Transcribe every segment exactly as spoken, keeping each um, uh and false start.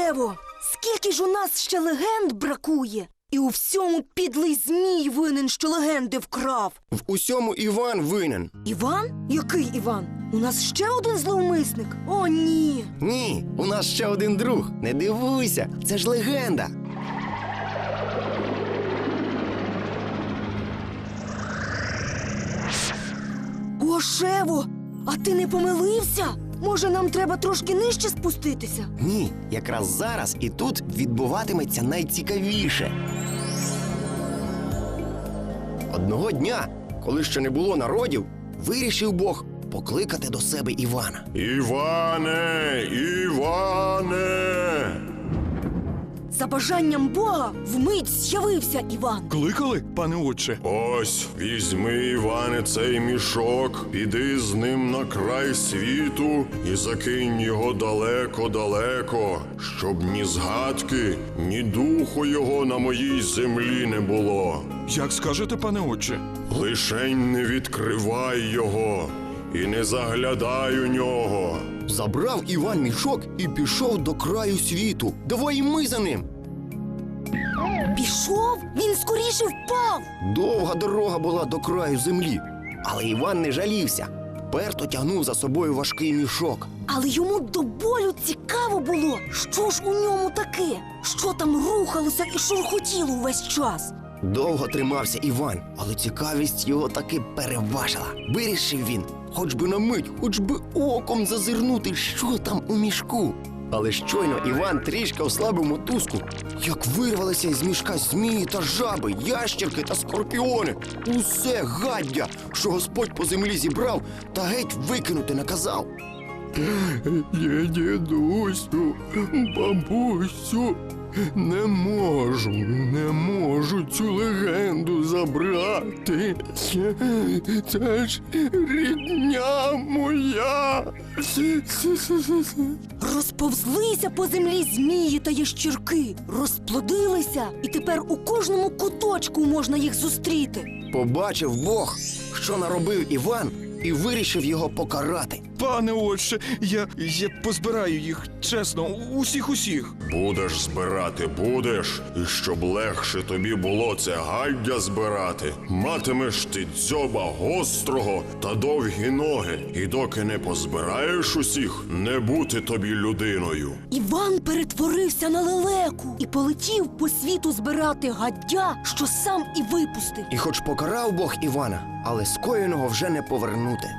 Шево, скільки ж у нас ще легенд бракує? І у всьому підлий змій винен, що легенди вкрав. В усьому Іван винен. Іван? Який Іван? У нас ще один зловмисник? О, ні. Ні, у нас ще один друг. Не дивуйся, це ж легенда. О, Шево, а ти не помилився? Може, нам треба трошки нижче спуститися? Ні, якраз зараз і тут відбуватиметься найцікавіше. Одного дня, коли ще не було народів, вирішив Бог покликати до себе Івана. Іване, Іване! За бажанням Бога вмить з'явився Іван. Кликали, пане отче? Ось, візьми, Іване, цей мішок, піди з ним на край світу і закинь його далеко-далеко, щоб ні згадки, ні духу його на моїй землі не було. Як скажете, пане отче? Лишень не відкривай його і не заглядай у нього. Забрав Іван мішок і пішов до краю світу. Давай і ми за ним. Пішов? Він скоріше впав. Довга дорога була до краю землі. Але Іван не жалівся. Вперто тягнув за собою важкий мішок. Але йому до болю цікаво було, що ж у ньому таке, що там рухалося і шурхотіло увесь час. Довго тримався Іван, але цікавість його таки переважила. Вирішив він, хоч би на мить, хоч би оком зазирнути, що там у мішку. Але щойно Іван трішки ослабив мотузку, як вирвалися із мішка змії та жаби, ящерки та скорпіони. Усе гаддя, що Господь по землі зібрав та геть викинути наказав. Я, дідусю, бабусю, не можу, не можу цю легенду забрати. Це ж рідня моя. Розповзлися по землі змії та ящірки, розплодилися, і тепер у кожному куточку можна їх зустріти. Побачив Бог, що наробив Іван, і вирішив його покарати. Пане отче, я, я позбираю їх, чесно, усіх-усіх. Будеш збирати, будеш, і щоб легше тобі було це гаддя збирати, матимеш ти дзьоба гострого та довгі ноги, і доки не позбираєш усіх, не бути тобі людиною. Іван перетворився на лелеку і полетів по світу збирати гаддя, що сам і випустив. І хоч покарав Бог Івана, але скоєного вже не повернути.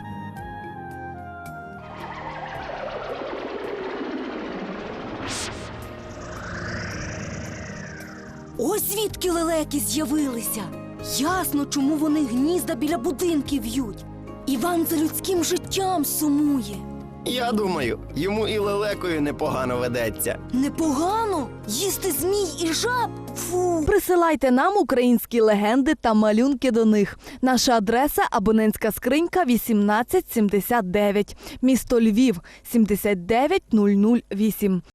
Ось звідки лелеки з'явилися. Ясно, чому вони гнізда біля будинків в'ють. Іван за людським життям сумує. Я думаю, йому і лелекою непогано ведеться. Непогано їсти змій і жаб? Фу. Присилайте нам українські легенди та малюнки до них. Наша адреса – абонентська скринька вісімнадцять сімдесят дев'ять. Місто Львів – сімдесят дев'ять нуль нуль вісім.